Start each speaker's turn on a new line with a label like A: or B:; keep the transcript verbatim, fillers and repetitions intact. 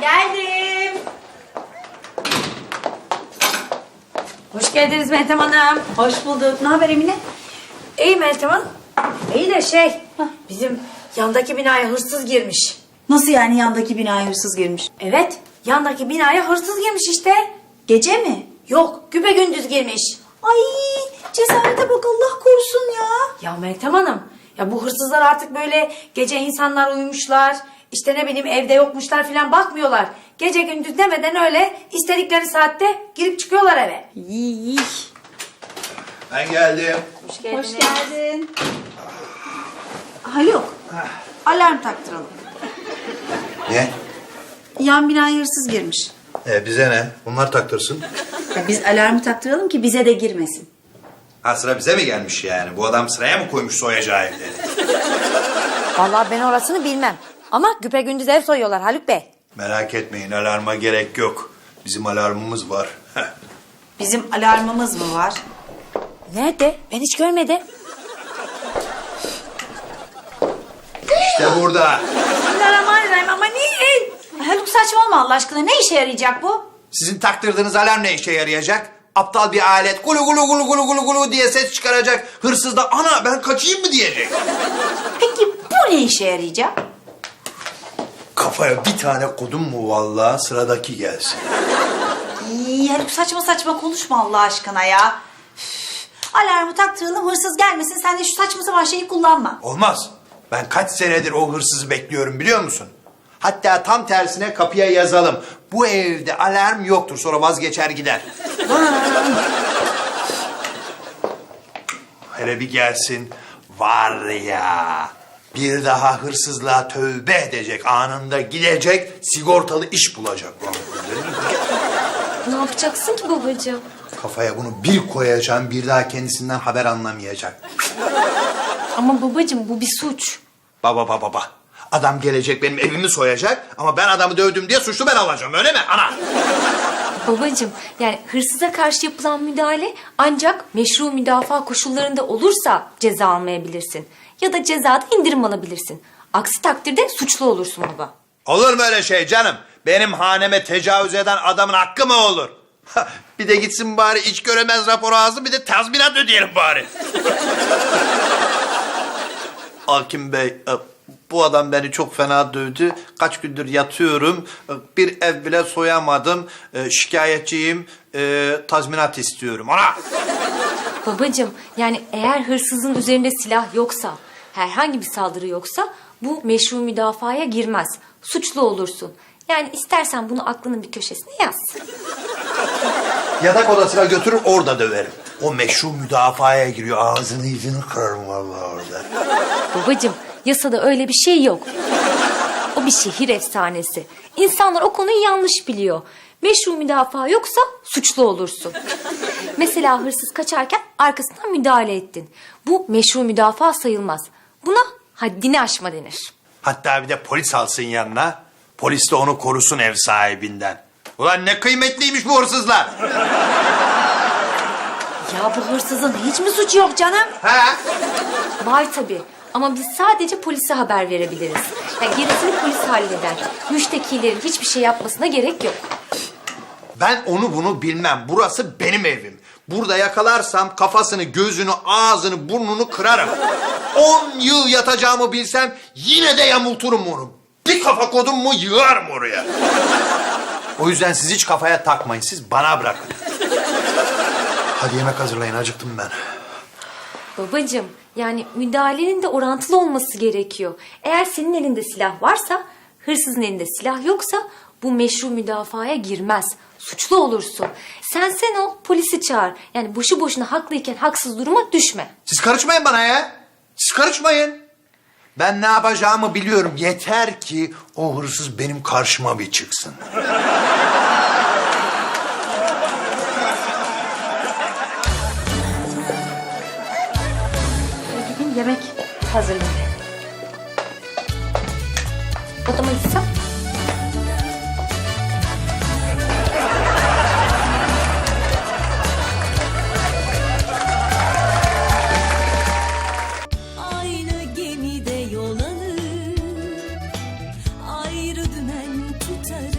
A: Geldim. Hoş geldiniz Meltem Hanım.
B: Hoş bulduk. Ne haber Emine?
A: İyi Meltem Hanım. İyi de şey, bizim yandaki binaya hırsız girmiş.
B: Nasıl yani yandaki binaya hırsız girmiş?
A: Evet, yandaki binaya hırsız girmiş işte.
B: Gece mi?
A: Yok, güpegündüz girmiş.
B: Ay cesarete bak Allah korusun ya.
A: Ya Meltem Hanım, ya bu hırsızlar artık böyle gece insanlar uyumuşlar, işte ne bileyim evde yokmuşlar falan bakmıyorlar. Gece gündüz demeden öyle istedikleri saatte girip çıkıyorlar eve.
B: İyi.
C: Ben geldim.
A: Hoş geldiniz.
B: Hoş geldin. Haluk. Alarm taktıralım.
C: Ne?
B: Yan binaya hırsız girmiş.
C: E, bize ne? Bunlar taktırsın.
B: Ya biz alarmı taktıralım ki bize de girmesin.
C: Ha, sıra bize mi gelmiş yani? Bu adam sıraya mı koymuş soyacağı evleri?
A: Vallahi ben orasını bilmem. Ama güpegündüz ev soyuyorlar Haluk Bey.
C: Merak etmeyin, alarma gerek yok. Bizim alarmımız var.
B: Bizim alarmımız mı var?
A: Nerede? Ben hiç görmedim.
C: İşte burada.
A: Bismillahirrahmanirrahim ama niye?
B: Haluk saçmalama Allah aşkına. Ne işe yarayacak bu?
C: Sizin taktırdığınız alarm ne işe yarayacak? Aptal bir alet gulu gulu gulu gulu gulu gulu diye ses çıkaracak. Hırsız da ana ben kaçayım mı diyecek.
B: Peki bu ne işe yarayacak?
C: Kafaya bir tane kodum mu vallahi, sıradaki gelsin.
B: İyi Haluk saçma saçma konuşma Allah aşkına ya. Üf, alarmı taktıralım hırsız gelmesin. Sen de şu saçma sapan şeyi kullanma.
C: Olmaz. Ben kaç senedir o hırsızı bekliyorum biliyor musun? Hatta tam tersine kapıya yazalım. Bu evde alarm yoktur, sonra vazgeçer gider. Hele bir gelsin. Var ya, bir daha hırsızlığa tövbe edecek, anında gidecek, sigortalı iş bulacak.
D: Ne yapacaksın ki babacığım?
C: Kafaya bunu bir koyacağım, bir daha kendisinden haber anlamayacak.
D: Ama babacığım bu bir suç.
C: Baba baba baba. Adam gelecek benim evimi soyacak ama ben adamı dövdüm diye suçlu ben olacağım, öyle mi ana?
D: Babacığım yani hırsıza karşı yapılan müdahale ancak meşru müdafaa koşullarında olursa ceza almayabilirsin. Ya da cezada indirim alabilirsin. Aksi takdirde suçlu olursun baba.
C: Olur mu öyle şey canım? Benim haneme tecavüz eden adamın hakkı mı olur? Bir de gitsin bari iç göremez raporu alsın, bir de tazminat ödeyelim bari. Hakim Bey, bu adam beni çok fena dövdü. Kaç gündür yatıyorum. Bir ev bile soyamadım. Şikayetçiyim. Tazminat istiyorum. Ana!
D: Babacığım yani eğer hırsızın üzerinde silah yoksa, herhangi bir saldırı yoksa bu meşru müdafaya girmez. Suçlu olursun. Yani istersen bunu aklının bir köşesine yaz.
C: Yatak odasına götürür, orada döverim. O meşru müdafaya giriyor. Ağzını yüzünü kırarım vallahi orada.
D: Babacığım yasada öyle bir şey yok. O bir şehir efsanesi. İnsanlar o konuyu yanlış biliyor. Meşru müdafaa yoksa suçlu olursun. Mesela hırsız kaçarken arkasından müdahale ettin. Bu meşru müdafaa sayılmaz. Buna haddini aşma denir.
C: Hatta bir de polis alsın yanına. Polis de onu korusun ev sahibinden. Ulan ne kıymetliymiş bu hırsızlar.
B: Ya bu hırsızın hiç mi suçu yok canım?
C: Ha?
D: Var tabii. Ama biz sadece polise haber verebiliriz. Yani gerisini polis halleder. Müştekilerin hiçbir şey yapmasına gerek yok.
C: Ben onu bunu bilmem. Burası benim evim. Burada yakalarsam kafasını, gözünü, ağzını, burnunu kırarım. On yıl yatacağımı bilsem yine de yamulturum onu. Bir kafa kodum mu yığarım oraya. O yüzden siz hiç kafaya takmayın. Siz bana bırakın. Hadi yemek hazırlayın. Acıktım ben.
D: Babacığım yani müdahalenin de orantılı olması gerekiyor. Eğer senin elinde silah varsa, hırsızın elinde silah yoksa bu meşru müdafaya girmez. Suçlu olursun. Sen sen ol, polisi çağır. Yani boşu boşuna haklıyken haksız duruma düşme.
C: Siz karışmayın bana ya. Siz karışmayın. Ben ne yapacağımı biliyorum. Yeter ki o hırsız benim karşıma bir çıksın.
D: Gidin yemek hazırlayın. Odama gitsem.
E: Aynı gemide yol alır, ayrı dümen tutarız.